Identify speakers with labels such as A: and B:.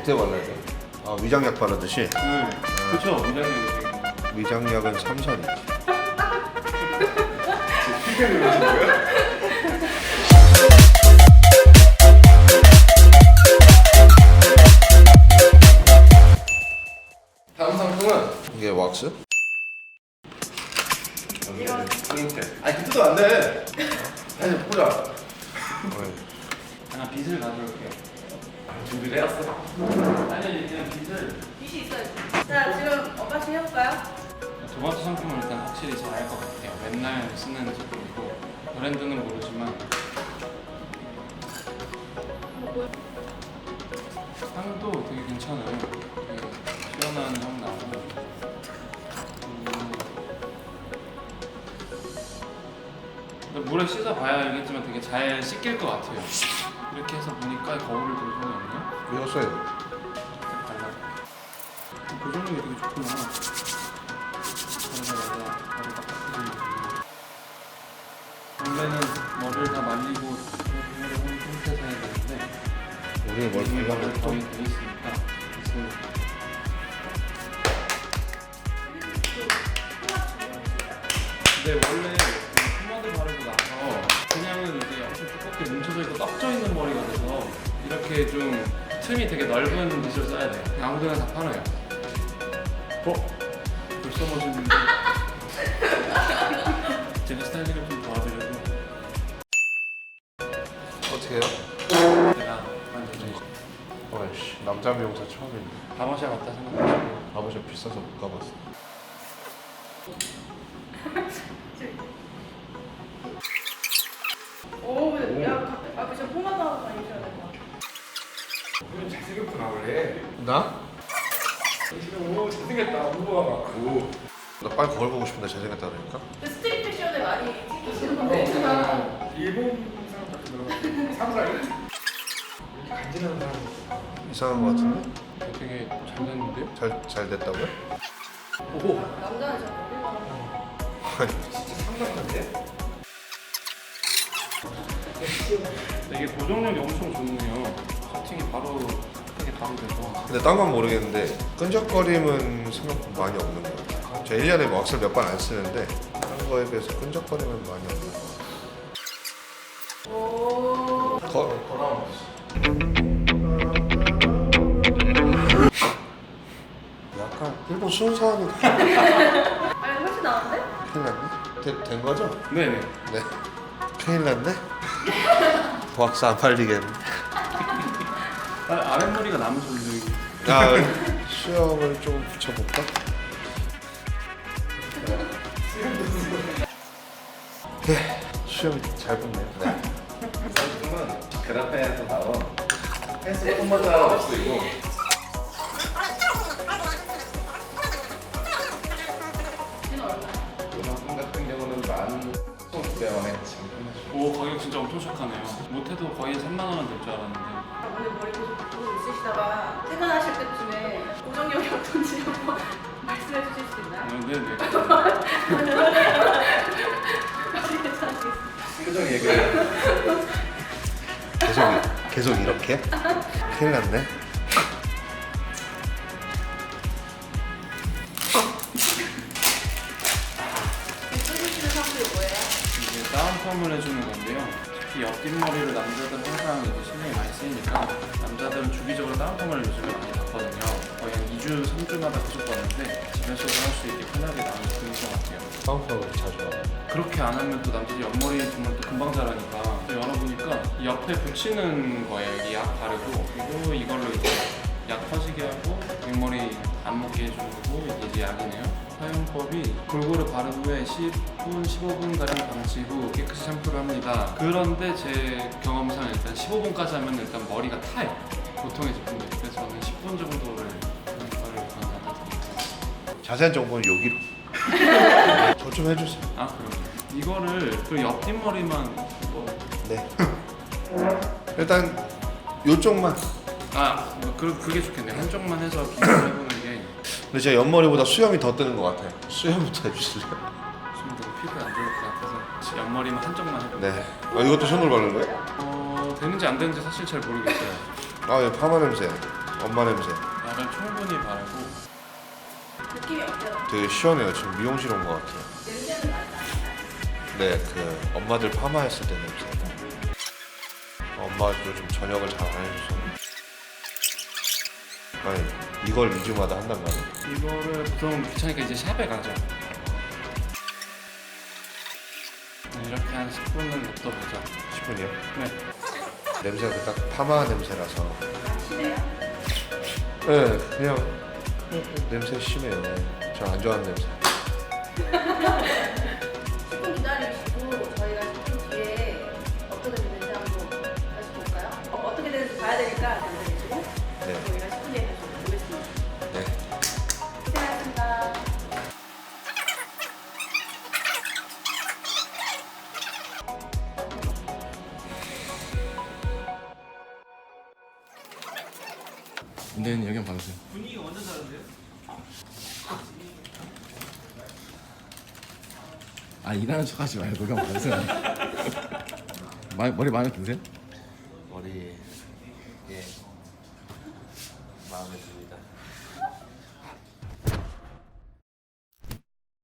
A: 어떻게 발라야 돼? 아 위장약 바르듯이?
B: 네. 그쵸. 위장약이
A: 위장약은 삼선이지.
B: 피부를 하신 거예요? 다음 상품은
A: 이게 왁스?
B: 이런 포인트. 아니 그때도 안 돼. 아니 보자. 하나 빗을 가져올게요. 준비를 해왔어. 아니 그냥 빗을.
C: 빛이 있어야지. 자, 지금 언박싱 해볼까요?
B: 두 번째 상품은 일단 확실히 잘 알 것 같아요. 맨날 쓰는 제품이고 브랜드는 모르지만 향도 되게 괜찮아요. 되게 시원한 향 나고 근데 물에 씻어봐야 알겠지만 되게 잘 씻길 것 같아요. 이렇게 해서 보니까 거울을 들 손이 없네요.
A: 이거 써요.
B: 발라. 고정력이 되게 좋구나. 바르자마자 바로 딱 닦아주는 원래는 머리를 다 말리고 해를 한 상태에서 해야 되는데
A: 우리 뭘
B: 이미 머리가
A: 발라도
B: 거의 돼 있으니까 그래서 근데 원래 그 포마드 바르고 나서 그냥은 이제 엄청 두껍게 뭉쳐져 있고 떡져 있는 머리가 돼서 이렇게 좀 틈이 되게 넓은 빗을 써야 돼요. 그냥 아무데나 다 팔아요. 벌써 멋있는데 제가 스타일링을 좀 도와드려도
A: 어떻게 해요?
B: 제가 만져주죠.
A: 어이씨 남자 미용사 처음인데.
B: 바마샤 같다 생각하시고
A: 바보샵 비싸서 못 가봤어.
C: 오, 근데 야, 저 포마드 하고 다니셔야 될 것 같아.
B: 오늘 잘생겼구나 원래.
A: 나?
B: 지금 오 잘생겼다 우와.
A: 나 빨리 거울 보고 싶은데 잘생겼다 그러니까?
C: 그 스트릿 패션에 많이 튀기시는 건데.
B: 일본 사람 같은 사무라이? 간지나는 사람.
A: 이상한 거 같은데?
B: 되게 잘 됐는데요?
A: 잘 됐다고요?
B: 오
C: 남자는 잘 모르겠어.
A: 아니
B: 진짜 상남자인데? 이게 고정력이 엄청 좋네요. 커팅이 바로 크게 바로 돼서.
A: 근데 딴 건 모르겠는데 끈적거림은 생각보다 많이 없는 거 같아요. 제가 1년에 왁스를 몇 번 안 쓰는데 다른 거에 비해서 끈적거림은 많이 없는 거
C: 오.
A: 같아요.
B: 돌아온
A: 약간 일본 순수한
C: 아니, 훨씬 나은데?
A: 큰일 났네? 된 거죠?
B: 네네.
A: 네. 큰일 났네? 왁스 안 팔리겠네.
B: 아랫머리가 남으셨는데.
A: 야, 수염을 좀 붙여볼까? 네, 수염이 잘 붙네요. 네.
B: 상품은 그라페에서 나온 펜슬 폼마드 왁스이고
C: 얘는 얼마야?
B: 이 상품 같은 경우는 11,900원에 지금 끝내주고. 오 가격 진짜 엄청 착하네요. 못해도 거의 3만 원은 될 줄 알았는데.
C: 오늘 머리 보고 있으시다가 퇴근하실 때쯤에 고정력이 어떤지 한번 말씀해 주실 수 있나요?
B: 네네.
C: 괜찮으시겠어요?
B: 표정 얘기를.
A: 계속 이렇게? 큰일 났네.
C: 쓰시는 사람들이 뭐예요?
B: 이게 다운펌을 해주는 건데요. 특히 옆뒷머리를 남자들은 항상 이제 신경이 많이 쓰이니까 남자들은 주기적으로 다운펌을 요즘에 많이 받거든요. 거의 한 2주, 3주마다 계속 받는데 집에서도 할 수 있게 편하게 나는 그런 것 같아요.
A: 다운펌을 자주 하고.
B: 그렇게 안 하면 또 남자들 옆머리 정말 또 금방 자라니까 열어보니까 이 옆에 붙이는 거예요. 이 약 바르고 그리고 이걸로 이제 약 퍼지게 하고 윗머리 안 먹게 해주는 거고 이게 이제 약이네요. 사용법이 골고루 바른 후에 10분, 15분가량 방치 후 깨끗이 샴푸를 합니다. 그런데 제 경험상 일단 15분까지 하면 일단 머리가 타요. 보통의 제품들. 그래서 저는 10분 정도를 권하거든요.
A: 자세한 정보는 여기로. 저 좀 해주세요.
B: 아 그럼요. 이거를 그 옆뒷머리만
A: 네. 일단 요쪽만.
B: 그게 좋겠네요. 한쪽만 해서 기본을 해보는 게
A: 근데 제가 옆머리보다 수염이 더 뜨는 것 같아요. 수염부터 해주실래요?
B: 좀 더 피부에 안 좋을 것 같아서 옆머리만 한쪽만 해볼게요.
A: 네. 이것도 손으로 바르는 거예요?
B: 되는지 안 되는지 사실 잘 모르겠어요.
A: 아, 예, 파마 냄새. 엄마 냄새.
B: 약간 충분히 바르고
C: 느낌이 어때요?
A: 되게 시원해요. 지금 미용실 온 것 같아요.
C: 냄새는 나지 않아요?
A: 네, 그 엄마들 파마했을 때 냄새. 엄마 요즘 저녁을 잘 안 해줘서. 아니 이걸 2주마다 한단 말이야?
B: 이거를 보통 귀찮으니까 이제 샵에 가죠. 이렇게 한 10분은 냅둬보자.
A: 10분이요?
B: 네.
A: 냄새가 그 딱 파마 냄새라서.
C: 아, 심해요?
A: 네, 그냥 냄새 심해요. 저 안 좋아하는 냄새.
C: 10분 기다리시고 저희가 10분 뒤에 어떻게 되는지 한번 다시 볼까요? 어떻게 되는지 봐야 되니까 기다리시고
A: 네.
C: 저희가 10분 뒤에 다시 보겠습니다.
A: 네.
C: 고생하셨습니다.
B: 근데 여기 한번 봐주세요.
D: 분위기가 완전 다른데요?
B: 아 일하는 척 하지 말고 그냥 봐주세요. 머리 마음에 드세요?
A: 머리 예 마음에 들어요.